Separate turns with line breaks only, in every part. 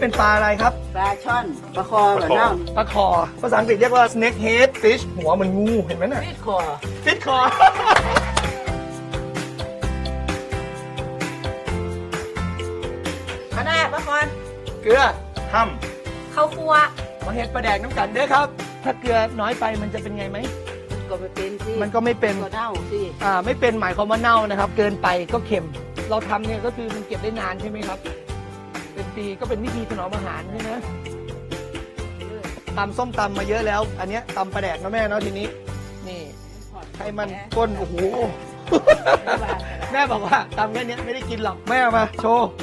เป็นปลาอะไรครับ
ปลาช่อนปลาคอเหรอน้อง
ปลาคอภาษาอังกฤษเรียกว่า snake head fish หัวเหมันงูเห็นไหมน่ะ
ฟิตคอ
ฟิตคอ
ขนาดปลาคอน
เกลือห้
ข้าวคั่ว
ำมาเห็ดปลาแดกน้ำกันเด้อครับ ถ้าเกลือน้อยไปมันจะเป็นไงไหม
ก็ไม่เป็นสิ
มันก็ไม่เป็น
ก็เน่าสิ
ไม่เป็นหมายความว่าเน่านะครับ เกินไปก็เค็ม เราทำเนี่ยก็คือมันเก็บได้นานใช่ไหมครับ เป็นปีก็เป็นวิธีถนอมอาหารใช่ไหมตำส้มตำมาเยอะแล้ว อันเนี้ยตำปลาแดกนะแม่เนาะทีนี้ นี่ให้มันก้นโอ้โห แม่บอกว่าตำแค่เนี้ยไม่ได้กินหรอกแม่เอามาโชว์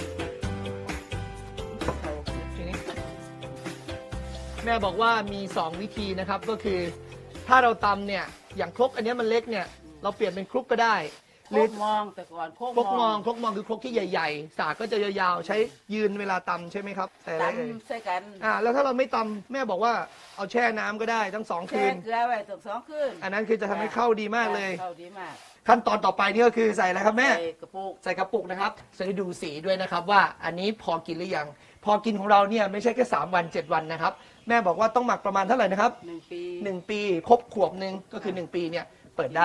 ทีนี้แม่บอกว่ามี 2 วิธีนะครับก็คือ ถ้าเราตำเนี่ยอย่างครกอันเนี้ยมันเล็กเนี่ยเราเปลี่ยนเป็นครกก็ได้
โคกมองแต่ก่อนโคก
ครกม
ม
อ
อง ง
ครกมองคือครกที่ใหญ่ๆสากก็จะยาวๆใช้ยืนเวลาตำใช่ไหมครับแต่อะไรเอ่ย
ตำใส่กัน
แล้วถ้าเราไม่ตำแม่บอกว่าเอาแช่น้ำก็ได้ทั้ง2 คื
แช่
น
เกลือไว้ตก2 คืน
อันนั้นคือจะทำให้เข้าดีมากเลย
เข้าดีมาก
ขั้นตอนต่อไปนี่ก็คือใส่อะไรครับแม่
ใส่กระปุก
ใส่กระปุกนะครับจะได้ดูสีด้วยนะครับว่าอันนี้พอกินหรือยังพอกินของเราเนี่ยไม่ใช่แค่3 วัน 7 วันนะครับแม่บอกว่าต้องหมักประมาณเท่าไหร่นะครับ
1 ปี
1 ปีครบขวบหนึ่งก็คือ1 ปีเนี่ยเปิดได้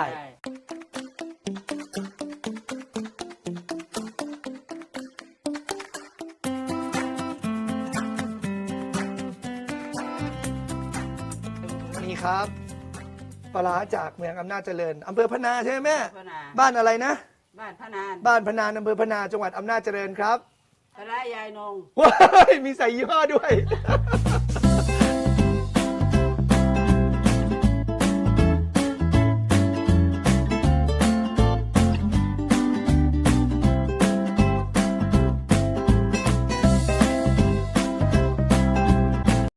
นี่ครับปลาร้าจากเมืองอำนาจเจริญอำเภอพะนาใช่ไหมแม่
พะนา
บ้านอะไรนะ
บ้านพะนาน
บ้านพะนานอำเภอพะนาจังหวัดอำนาจเจริญครับ
ปลาร้ายายนง
ว้ายมีใส่ยี่ห้อด้วย